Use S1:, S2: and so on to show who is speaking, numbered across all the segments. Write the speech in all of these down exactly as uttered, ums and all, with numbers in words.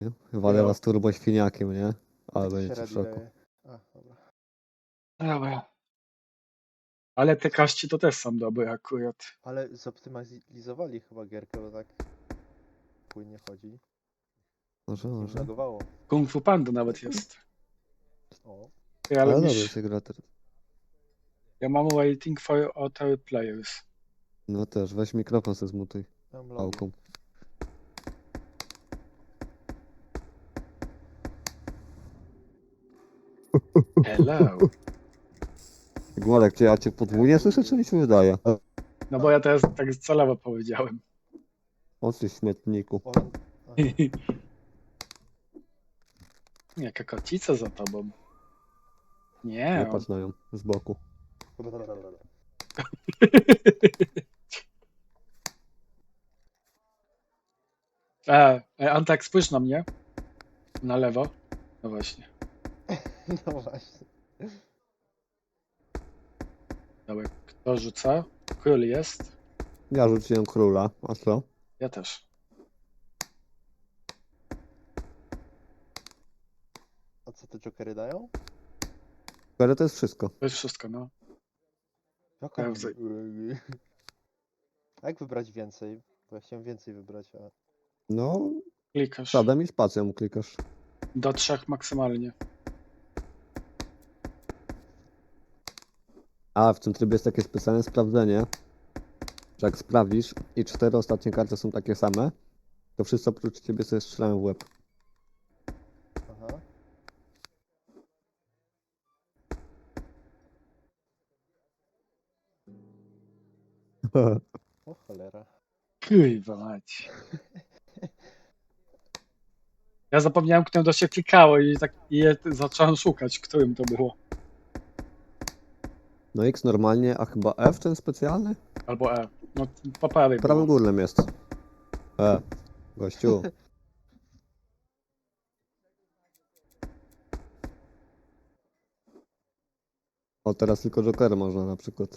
S1: Nie? Walę
S2: No.
S1: was turbo świniakiem, nie? Ale
S3: Jak to się
S1: będziecie w
S3: ready
S1: szoku.
S3: daje? A, dobra.
S2: Dobra. Ale te kaści to też są dobre akurat.
S3: Ale zoptymalizowali chyba gierkę, bo tak płynnie chodzi.
S1: Może,
S3: Nie
S1: może.
S3: lagowało.
S2: Kung Fu Panda nawet jest.
S3: O,
S2: Ty, ale
S1: Ale
S2: miś,
S1: dobrze się gra teraz.
S2: ja mam waiting for other players.
S1: No też, weź mikrofon se zmutuj
S3: mam logi.
S1: pałką.
S2: Hello.
S1: Gmolek, czy ja cię podwójnie słyszę, czy mi się wydaje?
S2: No bo ja teraz tak celowo powiedziałem.
S1: O ty śmietniku.
S3: O, aha.
S2: Jaka kocica za tobą.
S1: Nie
S2: Nie.
S1: patrz na nią z boku.
S2: E, e, Antek, spójrz na mnie. Na lewo. No właśnie.
S3: No właśnie.
S2: Dobra, kto rzuca? Król jest.
S1: Ja rzuciłem króla, a co?
S2: Ja też.
S3: A co te jokery dają?
S1: Ale to jest wszystko.
S2: To jest wszystko, no.
S3: Jaka...
S2: Ja wzaj-
S3: A jak wybrać więcej? Bo ja chciałem więcej wybrać, a...
S1: No,
S2: Klikasz.
S1: sadem i spacją klikasz.
S2: Do trzech maksymalnie.
S1: A w tym trybie jest takie specjalne sprawdzenie, że jak sprawdzisz i cztery ostatnie karty są takie same, to wszyscy oprócz ciebie sobie strzelają w łeb.
S3: Aha. O cholera.
S2: Kurwa mać. Ja zapomniałem, którym to się klikało i tak i je zacząłem szukać, którym to było.
S1: No X normalnie, a chyba F ten specjalny?
S2: Albo E. No po prawej
S1: W prawym
S2: było.
S1: górnym jest. E, gościu. O, teraz tylko Joker można na przykład.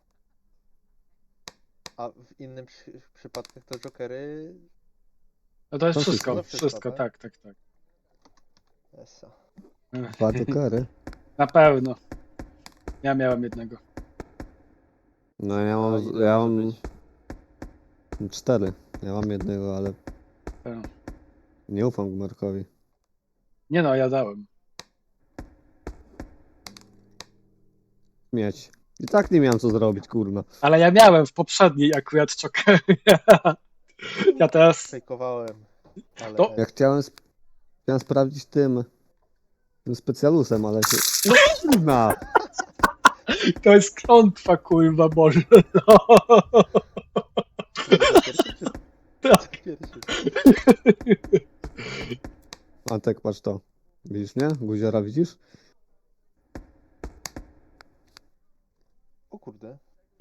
S3: A w innym przy... przypadkach to jokery...
S2: No to jest
S1: To
S2: wszystko,
S3: wszystko.
S2: wszystko,
S3: Tak?
S2: tak, tak, tak.
S3: Esa.
S1: Dwa Jokery.
S2: Na pewno. Ja miałem jednego.
S1: No ja
S3: A
S1: mam,
S3: ile
S1: ja
S3: może
S1: mam
S3: być?
S1: cztery. Ja mam jednego, ale
S2: E.
S1: nie ufam Gmarkowi.
S2: Nie no, ja dałem.
S1: Mieć. I tak nie miałem co zrobić, kurwa.
S2: Ale ja miałem w poprzedniej akurat czokery. Ja teraz...
S3: Fejkowałem. Ale...
S2: To-
S1: Ja chciałem, sp- chciałem sprawdzić tym, tym specjalusem, ale się... No kurwa!
S2: To jest klątwa, kurwa, Boże. No.
S3: Pierwszy czy...
S2: Tak.
S3: Pierwszy.
S1: Antek, patrz to. Widzisz mnie? Guziora widzisz?
S3: O kurde.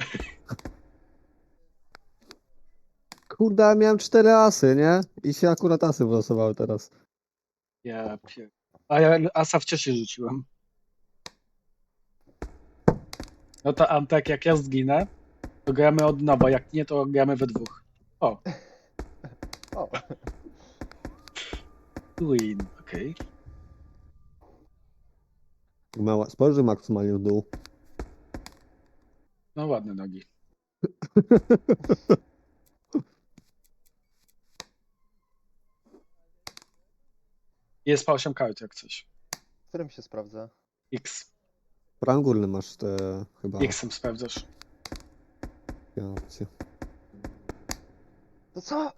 S1: Kurde, ja miałem cztery asy, nie? I się akurat asy wylosowały teraz.
S2: Ja pier... A ja asa wcześniej rzuciłem. No to Antek, jak ja zginę, to gramy od nowa. Jak nie, to gramy we dwóch. O,
S3: O.
S2: win, okej.
S1: Mała, spojrzyj maksymalnie w dół.
S2: No ładne nogi. Jest po osiem kart jak coś.
S3: W którym się sprawdza?
S2: X.
S1: W prawym górnym masz te chyba
S2: X-em sprawdzasz.
S1: takie opcje.
S3: To co?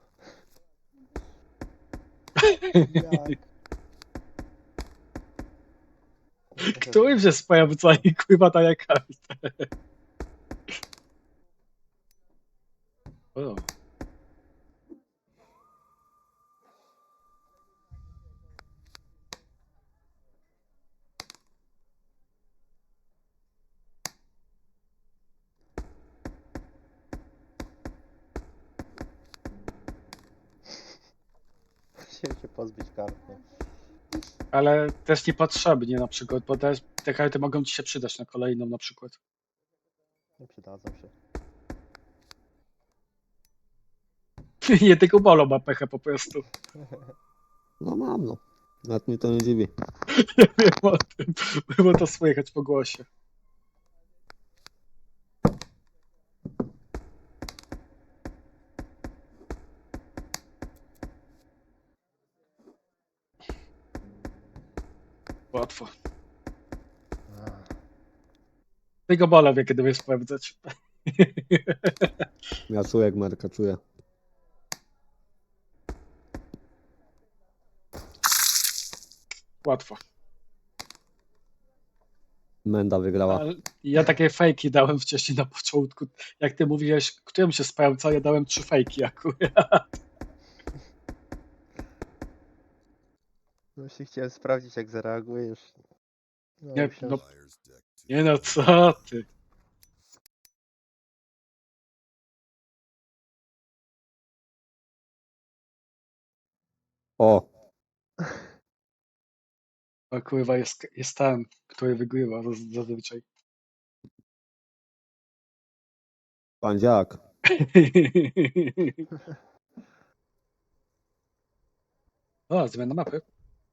S3: Jak?
S2: Którym się sprawdza i kurwa daje kartę? O.
S3: Chciałem się pozbyć karty.
S2: Ale też niepotrzebnie na przykład, bo te, te karty mogą ci się przydać na kolejną na przykład.
S3: Nie przydadzą się.
S2: Nie tylko Bolo ma pechę po prostu.
S1: No mam, no. Nawet mnie to nie dziwi.
S2: Ja wiem o tym, bo to słychać po głosie. Łatwo.
S3: Ach,
S2: Tego bola wie, kiedy wiesz sprawdzać.
S1: Ja czuję jak Marka, czuję.
S2: Łatwo.
S1: Menda wygrała.
S2: Ale ja takie fejki dałem wcześniej na początku. Jak ty mówiłeś, którym się sprawdza, ja dałem trzy fejki akurat.
S3: No właśnie chciałem sprawdzić, jak zareagujesz. No,
S2: Nie,
S3: myślałem,
S2: no,
S3: że...
S2: nie no, co ty?
S1: O,
S2: O kurwa, jest, jest ten, który wygrywa zaz- zazwyczaj.
S1: pandziak.
S2: O, zmiana mapy.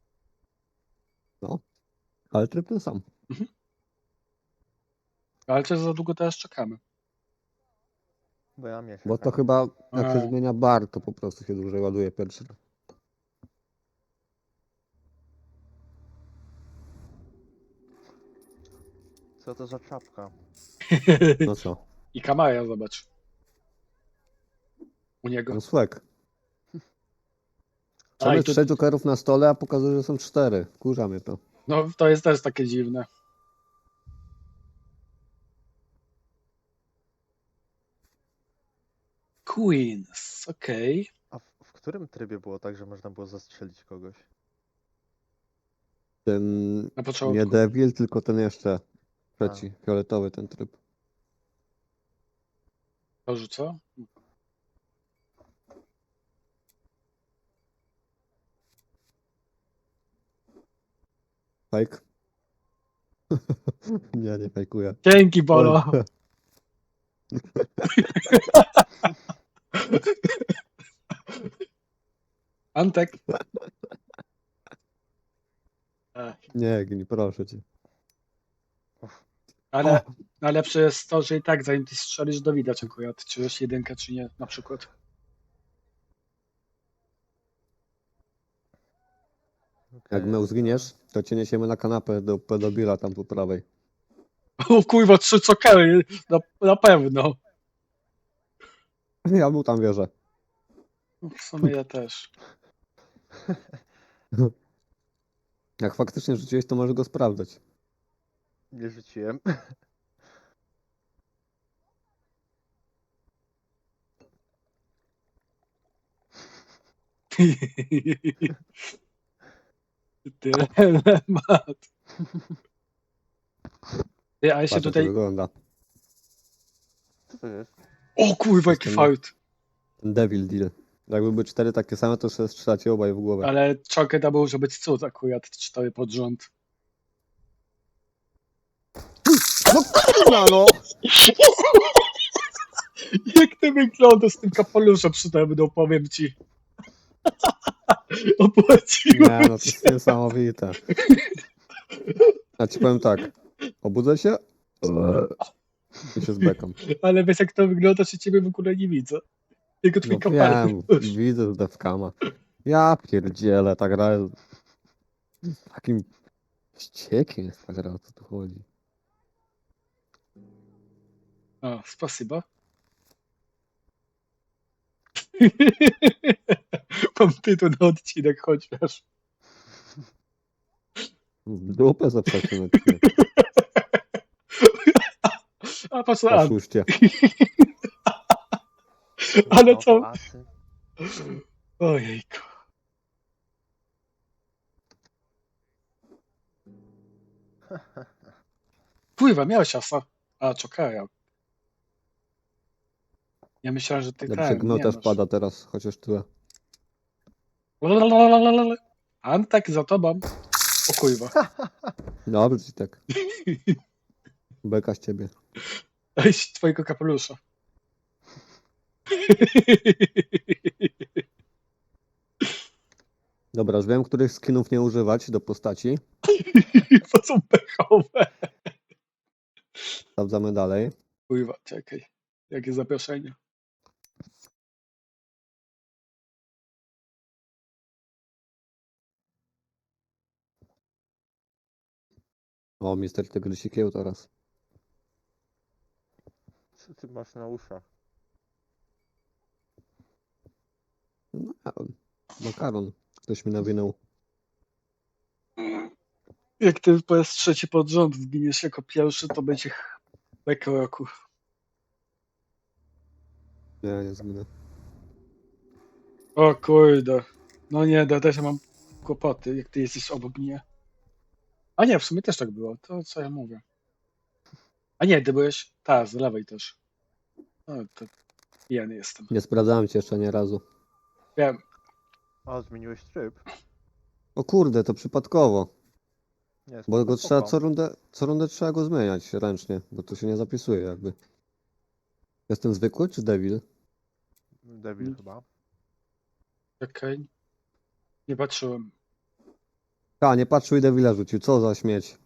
S1: No, ale tryb ten sam.
S2: Ale też za długo teraz czekamy.
S3: Bo ja mnie
S1: Bo to
S3: czekam.
S1: chyba jak
S2: A.
S1: się zmienia bar, to po prostu się dłużej ładuje pierwszy raz.
S3: Co to za czapka?
S1: No co?
S2: I kamera, zobacz. U niego.
S1: No swag.
S2: A, i
S1: Trzeba
S2: tu,
S1: trzech jokerów na stole, a pokazuje, że są cztery. Kurza mnie to.
S2: no to jest też takie dziwne. Queens, okej.
S3: A w, w którym trybie było tak, że można było zastrzelić kogoś?
S1: Ten
S2: Na
S1: nie
S2: początku.
S1: Devil, tylko ten jeszcze trzeci, fioletowy ten tryb.
S2: Boże, co?
S1: Fake? nie, nie fejkuję.
S2: Dzięki, Bolo.
S1: Oj,
S2: Antek. Ech,
S1: nie, Gni, proszę cię.
S2: Ale
S1: O!
S2: najlepsze jest to, że i tak zanim ty strzelisz, do widać akurat, czy jest jedynka, czy nie, na przykład.
S1: Jak
S3: Okej,
S1: my
S3: dobra.
S1: zginiesz, to cię niesiemy na kanapę do pedobila tam po prawej.
S2: O kurwa, trzy cokery, na, na pewno.
S1: Ja mu tam wierzę.
S2: W sumie ja też.
S1: Jak faktycznie rzuciłeś, to może go sprawdzać.
S3: Nie rzuciłem.
S2: Dylemat. Ty, a ja się
S1: Patrz, jak to
S2: tutaj...
S1: wygląda.
S3: Co to jest?
S2: O kurwa, jaki
S1: Jestem-
S2: fart.
S1: Ten Devil Deal. Jakby były cztery takie same, to sobie strzelacie obaj w głowę.
S2: Ale czokę to może być cud akurat, cztery pod rząd.
S1: No kurwa, no!
S2: Jak to wygląda z tym kapeluszem przynajmniej, powiem ci. Opłaciło
S1: Nie, no to
S2: się.
S1: jest niesamowite. Ja ci powiem tak. Obudzę się i się zbekam.
S2: Ale wiesz jak to wygląda, że ciebie w ogóle nie widzę. Tylko twój
S1: No
S2: kapelusz.
S1: wiem, widzę z defkama. Ja pierdzielę, ta gra jest takim ściekiem jest ta gra, o co tu chodzi.
S2: O, spasiba. Mam tytuł na odcinek chociaż.
S1: W dupę zaprzecie na ciebie.
S2: A patrz na Ant.
S1: Oszuście.
S2: Ale
S3: No,
S2: co?
S3: asy.
S2: Ojejku. Pływa, miałeś asa. A, czekaj. Ja myślałem, że ty
S1: Dobrze,
S2: ten,
S1: gno
S2: nie
S1: też
S2: masz.
S1: pada teraz, chociaż tyle.
S2: Lalalala. Antek za tobą. O kurwa.
S1: Dobrze ci tak. Beka z ciebie.
S2: Ej, z twojego kapelusza.
S1: Dobra, już wiem, których skinów nie używać do postaci.
S2: To są pechowe.
S1: Sprawdzamy dalej.
S2: Kurwa, czekaj. Jakie zaproszenie?
S1: O, mister Tygrysik kieł teraz.
S3: Co ty masz na uszach?
S1: No, makaron. Ktoś mi nawinął.
S2: Jak ty po raz trzeci pod rząd zginiesz jako pierwszy, to będzie beka roku.
S1: Nie, nie zginę.
S2: O kurde. No nie, ja też mam kłopoty, jak ty jesteś obok mnie. A nie, w sumie też tak było. To co ja mówię. A nie, ty byłeś... Ta, z lewej też. No to pijany jestem.
S1: Nie sprawdzałem cię jeszcze ani razu.
S2: Wiem.
S3: A, zmieniłeś tryb?
S1: O kurde, to przypadkowo.
S3: Nie,
S1: Bo
S3: spoko,
S1: go trzeba
S3: spoko.
S1: co rundę, co rundę trzeba go zmieniać ręcznie, bo to się nie zapisuje jakby. Jestem zwykły czy devil?
S3: Devil chyba.
S2: Czekaj. Nie patrzyłem.
S1: A, nie patrzył i devila rzucił. Co za śmieć.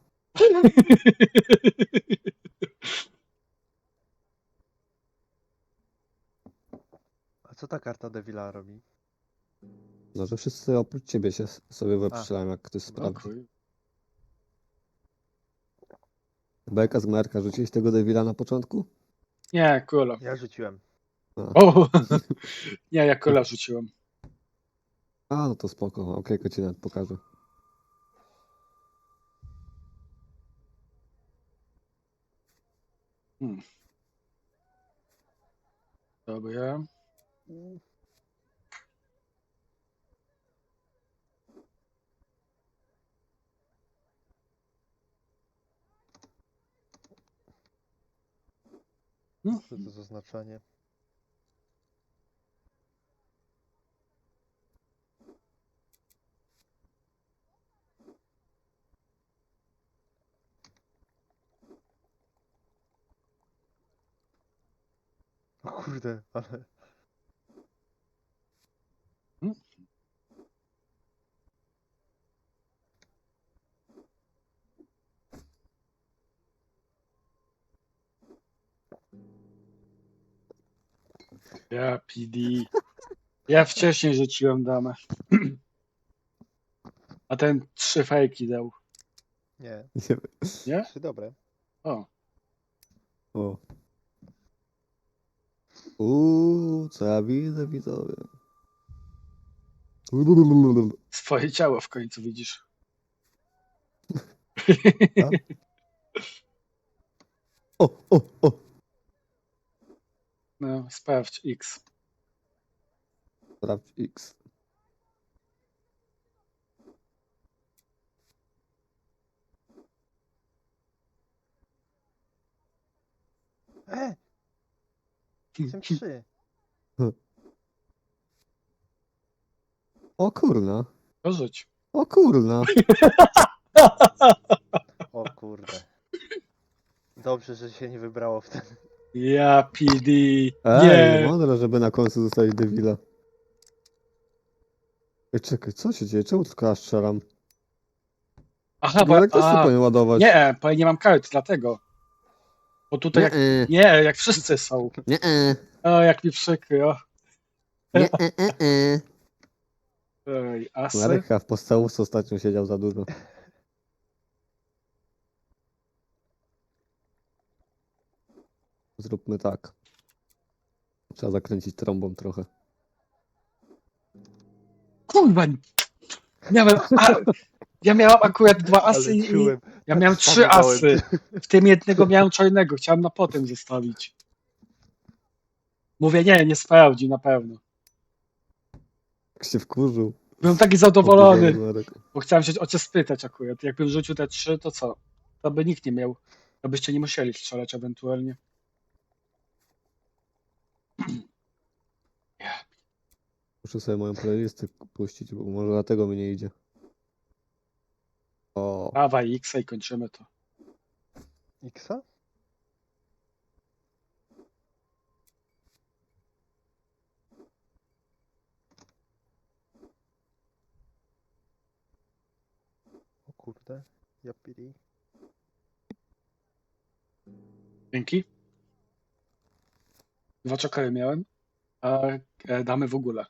S3: A co ta karta Devila robi?
S1: No, że wszyscy oprócz ciebie się s- sobie wyprzelają, jak ktoś
S2: No
S1: sprawdzi.
S2: kuj.
S1: Beka z Merka, rzuciłeś tego devila na początku?
S2: Nie, kula.
S3: Ja rzuciłem.
S2: O! Nie, ja kula rzuciłem.
S1: A, no to spoko. Okej, okay, ci nawet pokażę.
S2: Hmm. Dobra. Hmm.
S3: Co to za znaczenie? O kurde, ale...
S2: Hmm. Ja P D. Ja wcześniej rzuciłem damę. A ten trzy fejki dał.
S3: Nie,
S1: Nie
S2: Nie?
S3: trzy dobre.
S2: O.
S1: O. Uuu, co ja widzę, widzowie.
S2: Swoje ciało w końcu widzisz.
S1: A? O, o, o.
S2: No, sprawdź X.
S1: Sprawdź X.
S3: E! Jestem trzy.
S1: O kurna.
S2: To rzuć.
S1: O kurna.
S3: O kurde. Dobrze, że się nie wybrało w ten...
S2: Ja P D.
S1: Ej,
S2: Nie.
S1: mądre, żeby na końcu zostawić devila. Ej, czekaj, co się dzieje? Czemu tylko ja strzelam?
S2: Aha, bo...
S1: Marek też sobie
S2: A,
S1: powinien ładować.
S2: nie, bo ja nie mam kart, dlatego. Bo tutaj jak...
S1: Nie,
S2: Nie, jak wszyscy są.
S1: nie,
S2: O, jak mi przykro.
S1: nie, nie, nie.
S2: Ej, asy.
S1: Marek chyba w podstawówce ostatnio siedział za dużo. Zróbmy tak. Trzeba zakręcić trąbą trochę.
S2: Kurwa. Miałem... A, ja miałem akurat dwa asy
S3: Ale
S2: i...
S3: czułem.
S2: Ja
S3: tak
S2: miałem
S3: samo
S2: trzy
S3: dałem.
S2: asy. W tym jednego miałem czarnego. Chciałem na potem zostawić. Mówię, nie, nie sprawdzi na pewno.
S1: Jak się wkurzył.
S2: Byłem taki zadowolony,
S1: Oburzony Marek.
S2: bo chciałem się o cię spytać akurat. Jakbym rzucił te trzy, to co? To by nikt nie miał. To byście nie musieli strzelać ewentualnie.
S1: Muszę sobie moją playlistę puścić, bo może dlatego mi nie idzie. O,
S2: Dawaj X i kończymy to.
S3: Xa? kurde. Ja pili.
S2: Dzięki. Dwa czokary miałem, a e, damy w ogóle.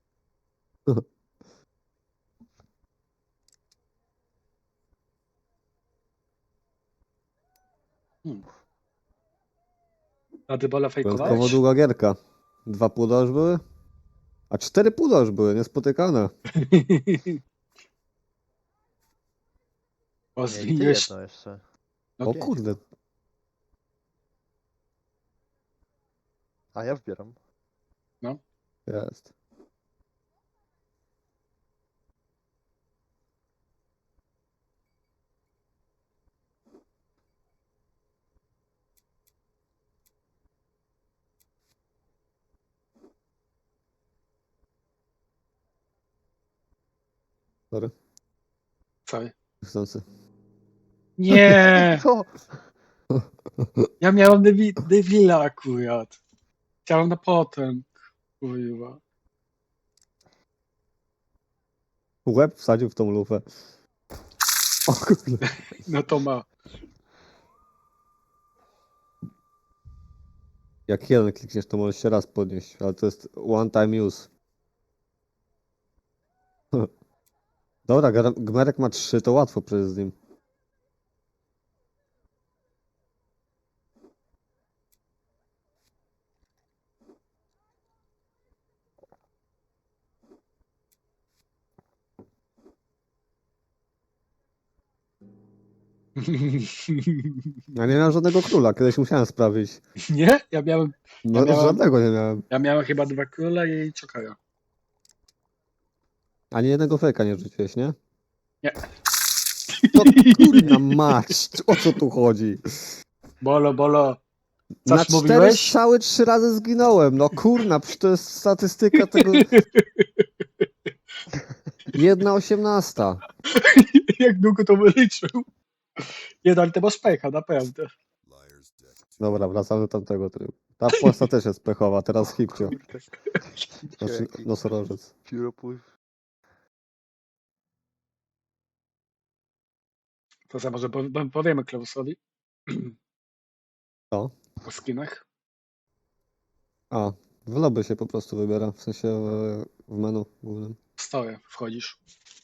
S2: Hmm. A dybola
S1: Wyjątkowo
S2: fejkowałeś?
S1: długa gierka. Dwa puda już były? A cztery puda już były, niespotykane.
S2: Bo
S3: Nie, i ty
S2: zmieniłeś.
S3: jedno jeszcze.
S2: No
S1: O
S3: pięć.
S1: kurde.
S3: A ja wbieram.
S1: Jest. Sorry.
S2: Sorry.
S1: Chcący.
S2: Nie!
S3: Co?
S2: Ja miałem Devi- Devila akurat. Chciałem na potem. Kurwa.
S1: Łeb wsadził w tą lufę. O kurde.
S2: No to ma.
S1: Jak jeden klikniesz, to możesz się raz podnieść, ale to jest one time use. Dobra, Gar- Gmerek ma trzy, to łatwo przejść z nim. Ja nie miałem żadnego króla, kiedyś musiałem sprawić.
S2: Nie? Ja miałem,
S1: No,
S2: Ja miałem-
S1: żadnego nie miałem.
S2: ja miałem chyba dwa króle i czokara.
S1: Ani jednego fejka nie rzuciłeś, nie?
S2: Nie.
S1: To kurna mać, o co tu chodzi?
S2: Bolo, bolo.
S1: Na
S2: Coś
S1: cztery
S2: mówiłeś?
S1: strzały trzy razy zginąłem. No kurna, przecież to jest statystyka tego. Jedna osiemnasta.
S2: Jak długo to wyliczył? Nie, no, ale ty masz pecha, naprawdę.
S1: Dobra, wracamy do tamtego trybu. Ta postać też jest pechowa, teraz hipcio.
S3: Kurde.
S1: Znaczy
S3: Jaki
S1: nosorożec.
S3: pióropływ.
S2: To za może po- po- powiemy Klausowi
S1: Co?
S2: o skinach.
S1: A, w lobby się po prostu wybiera, w sensie w, w menu głównym.
S2: W stoję wchodzisz.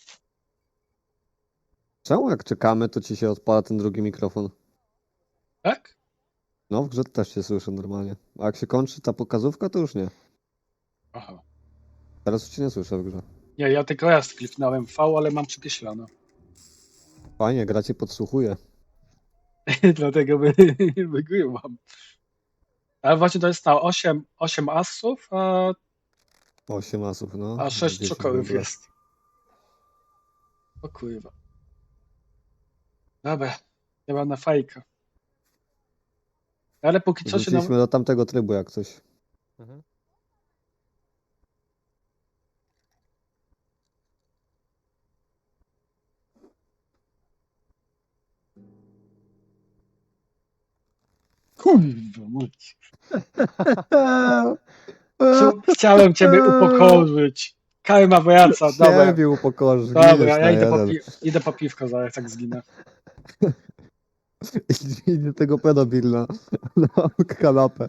S1: Czemu jak czekamy, to ci się odpala ten drugi mikrofon?
S2: Tak?
S1: No, w grze też się słyszy normalnie. A jak się kończy ta pokazówka, to już nie.
S2: Aha.
S1: Teraz już cię nie słyszę w grze.
S2: Nie, ja tylko raz kliknąłem V, ale mam przykreślone.
S1: Fajnie, gra cię podsłuchuje.
S2: Dlatego wy, wygrywam. Ale właśnie to jest ta osiem, osiem asów, a,
S1: osiem asów, no.
S2: a sześć
S1: dziesięć w
S2: czokorów
S1: ogóle.
S2: jest. O kurwa. Dobra, ja mam na fajkę. Ale póki co się
S1: Wróciliśmy
S2: nam...
S1: do tamtego trybu jak coś.
S3: Mhm.
S2: Kurwa, mać. Chciałem ciebie upokorzyć. Karma wraca, dobra.
S1: Ciebie upokorzysz,
S2: Dobra,
S1: giniesz
S2: ja
S1: na
S2: idę po,
S1: jeden.
S2: pi- idę po piwko zaraz, jak zginę.
S1: I do tego pedobil na, na kanapę.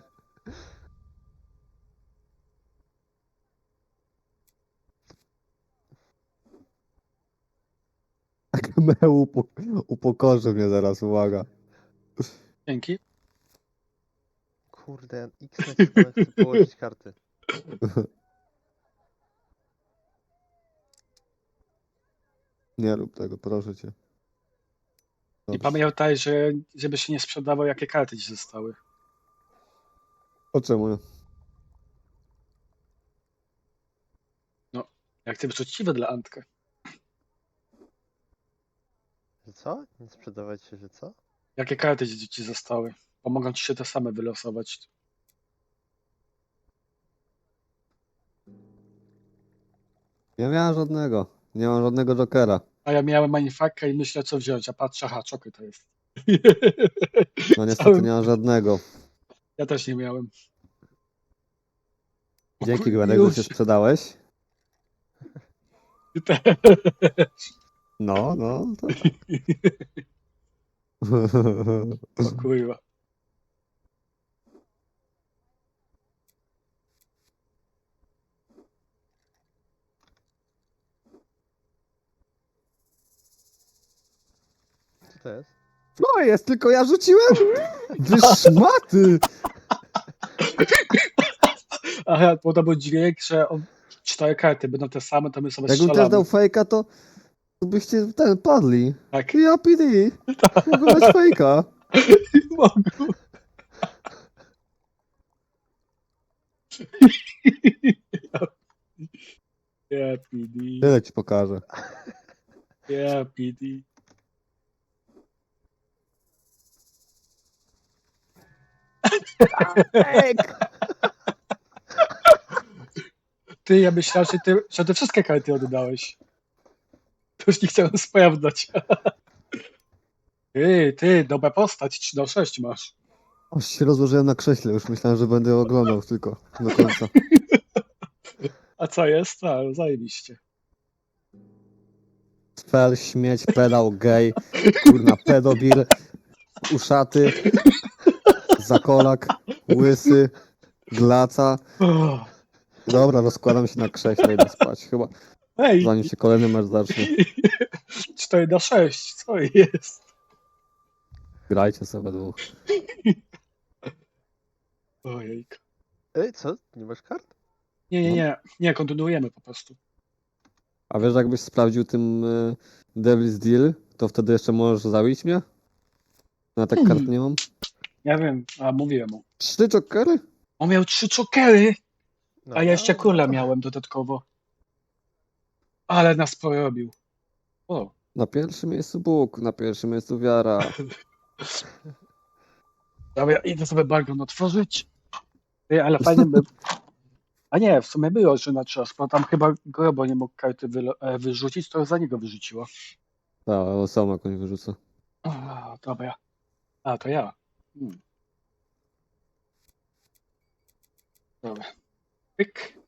S1: Meu upo, upokorzy mnie zaraz, uwaga.
S2: Dzięki.
S3: Kurde, X nacisnąłem, chcę położyć karty.
S1: Nie rób tego, proszę cię.
S2: I
S1: Dobrze.
S2: pamiętaj, że żeby się nie sprzedawał, jakie karty ci zostały.
S1: O czemu nie?
S2: Jak ty uczciwy dla Antka.
S3: Że co? Nie sprzedawać się, że co?
S2: Jakie karty ci, ci zostały? Pomogą ci się te same wylosować.
S1: Nie miałem żadnego. Nie mam żadnego jokera.
S2: A ja miałem manifaka i myślę, co wziąć. A patrzę, aha, czoky to jest.
S1: No niestety
S2: Całym-
S1: nie mam żadnego.
S2: Ja też nie miałem. O
S1: Dzięki
S2: kur-
S1: Gwenek, że
S2: już.
S1: się sprzedałeś.
S2: Ty też.
S1: No, no, to tak.
S2: O kurwa.
S3: Co to jest?
S1: No jest, tylko ja rzuciłem! Wy szmaty!
S2: Aha, bo to był dźwięk, że on, cztery karty będą te same, to my sobie
S1: Jakbym też
S2: strzelamy.
S1: dał fejka, to, to byście ten padli.
S2: Tak.
S1: Ja P D. Mogę dać fejka.
S2: Mogę. Ja P D.
S1: Tyle ci pokażę.
S2: Ja P D.
S1: Fejk!
S2: Ty, ja myślałem, że ty, że ty wszystkie karty oddałeś. To już nie chciałem sprawdzać. Ty, ty, dobra postać, trzy do sześć masz.
S1: Aż się rozłożyłem na krześle, już myślałem, że będę oglądał tylko do końca.
S2: A co jest? A, zajebiście.
S1: Fel, śmieć, pedał, gej, kurna, pedobil, uszaty, zakolak, łysy, glaca.
S2: Oh.
S1: Dobra, rozkładam się na krześle, idę spać. Chyba
S2: Ej,
S1: zanim się kolejny mecz zacznie.
S2: cztery do sześć, co jest?
S1: Grajcie sobie dwóch.
S2: Ojejku.
S3: Ej, co? Nie masz kart?
S2: Nie, nie, nie, nie, kontynuujemy po prostu.
S1: A wiesz, jakbyś sprawdził tym y, Devil's Deal, to wtedy jeszcze możesz zabić mnie? Ja tak kart nie mam.
S2: Ja wiem, a mówiłem mu.
S1: Trzy jokery?
S2: On miał trzy czokery,
S3: No,
S2: a ja jeszcze
S3: no,
S2: kula
S3: no.
S2: miałem dodatkowo. Ale nas porobił. O,
S1: Na pierwszym miejscu Bóg, na pierwszym miejscu wiara.
S2: dobra, idę sobie balkon otworzyć. Ty, ale fajnie by... A nie, w sumie było, że na czas, bo tam chyba Grobo nie mógł karty wylo- e, wyrzucić, to za niego wyrzuciło.
S1: Tak, ale sam jakąś wyrzucę.
S2: O, dobra. A, to ja. Hmm. Dobra. Pyk.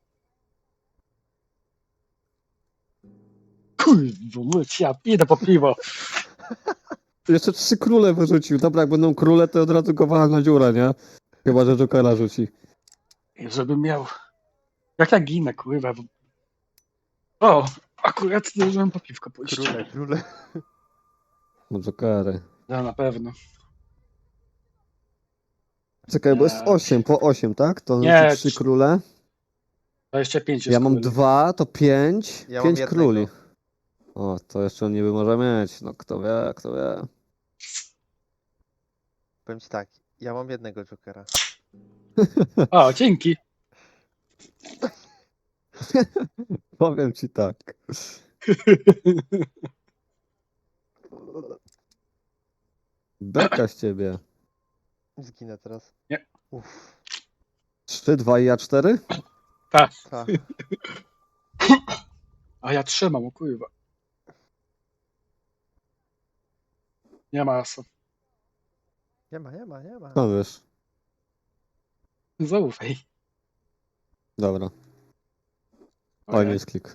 S2: Kurwa, myć, ja idę po piwo.
S1: Jeszcze trzy króle wyrzucił. Dobra, jak będą króle, to od razu go wala na dziurę, nie? Chyba, że jokera rzuci.
S2: I żebym miał... Jak ja ginę, kurwa. bo- O, akurat zdążyłem po piwko pójść.
S3: Króle, króle.
S1: No jokery.
S2: No, na pewno.
S1: Czekaj, bo jest
S2: Nie.
S1: osiem, po osiem, tak? To
S2: Nie,
S1: są trzy
S2: trz-
S1: króle.
S2: dwadzieścia pięć jest
S1: Ja mam
S2: króli.
S1: dwa, to pięć.
S3: Ja mam
S1: pięć
S3: jednego.
S1: króli. O, to jeszcze on niby może mieć. No kto wie, kto wie.
S3: Powiem ci tak, ja mam jednego jokera.
S2: O, dzięki.
S1: Powiem ci tak. Beka z ciebie.
S3: Zginę teraz.
S2: Nie.
S3: Uff,
S1: trzy, dwa i ja cztery?
S2: Tak.
S3: tak.
S2: A ja trzymam, o kurwa. Nie ma asu.
S3: Nie ma, nie ma, nie ma.
S1: No wiesz.
S2: Zaufaj.
S1: Dobra. Oj,
S2: Okej.
S1: jest klik.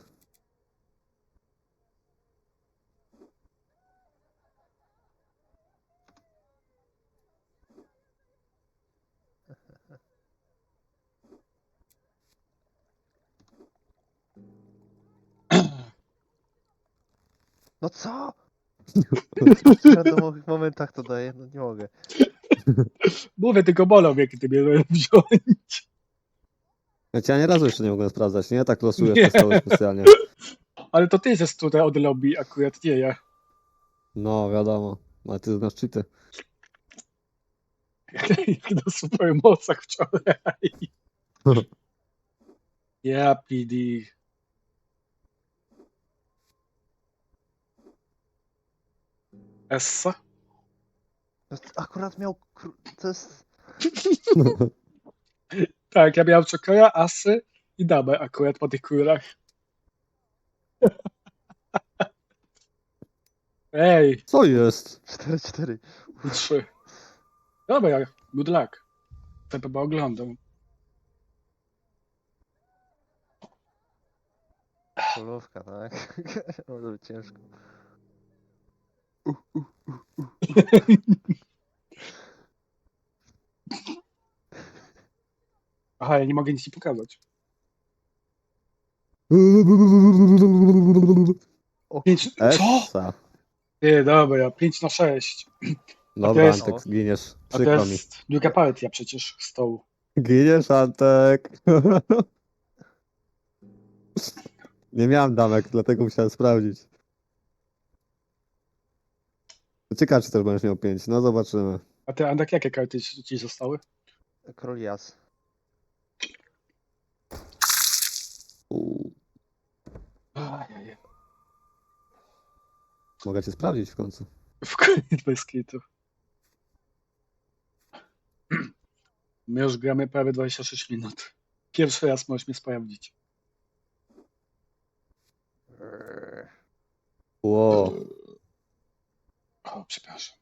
S3: No co? W randomowych momentach to daję, no nie mogę.
S2: Mówię, tylko bolą mnie, kiedy mnie wziąć.
S1: Ja cię ani razu jeszcze nie mogłem sprawdzać, nie? Tak losuję
S2: Nie.
S1: przez cały specjalnie.
S2: Ale to ty jesteś tutaj od lobby, akurat nie ja.
S1: No, wiadomo. Ale ty znasz cheaty.
S2: Jak na supermocach wczoraj. Ja, P D. Essa?
S3: No, akurat miał... kró- To jest...
S2: Tak, ja miałem czokera, asy i damę akurat po tych królach. Ej,
S1: Co jest?
S3: cztery cztery.
S2: trzy. Dobra, good luck. To chyba oglądam.
S3: Królówka, tak? Może być ciężko.
S2: Aha, ja nie mogę nic ci pokazać.
S3: O,
S2: Pięć... Co?
S1: Essa.
S2: Nie, dobra, pięć na sześć.
S1: Dobra,
S2: jest-
S1: Antek, zginiesz.
S2: A to
S1: Przykro mi.
S2: jest druga partia przecież stołu.
S1: Giniesz, Antek. Nie miałem damek, dlatego musiałem sprawdzić. Ciekawe, czy też będziesz miał pięć. No zobaczymy.
S2: A ty, Andek, jakie karty ci ci zostały?
S3: król jas.
S1: Uuu,
S2: Ajajaj.
S1: mogę cię sprawdzić w końcu.
S2: W koniec bez kitu. My już gramy prawie dwadzieścia sześć minut. Pierwszy raz możesz mnie sprawdzić.
S3: Eee,
S1: Ło.
S2: O, przepraszam.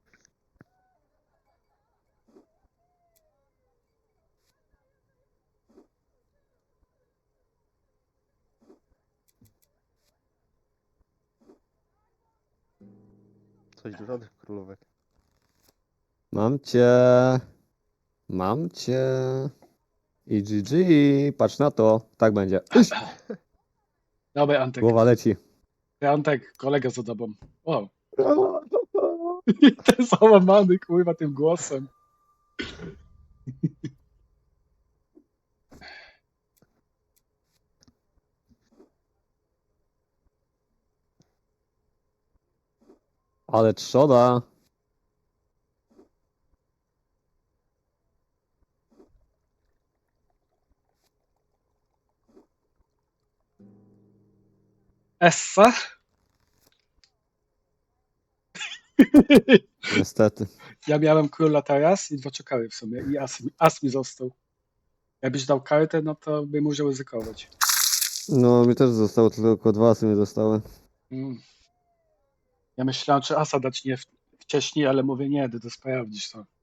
S3: Coś dużo tych królówek.
S1: Mam cię. Mam cię. I G G. Patrz na to. Tak będzie. Iś.
S2: Dobra, Antek.
S1: Głowa leci.
S2: Ty, Antek, kolega za tobą. O, ten załamany, kurwa, tym głosem.
S1: Ale trzoda.
S2: Essa?
S1: Niestety.
S2: Ja miałem króla teraz i dwa czekały w sumie i as, as mi został. Jakbyś dał kartę, no to bym musiał ryzykować.
S1: No, mi też zostało tylko dwa asy mi zostały.
S2: Mm. Ja myślałem, czy asa dać nie w, wcześniej, ale mówię nie, ty to sprawdzisz to.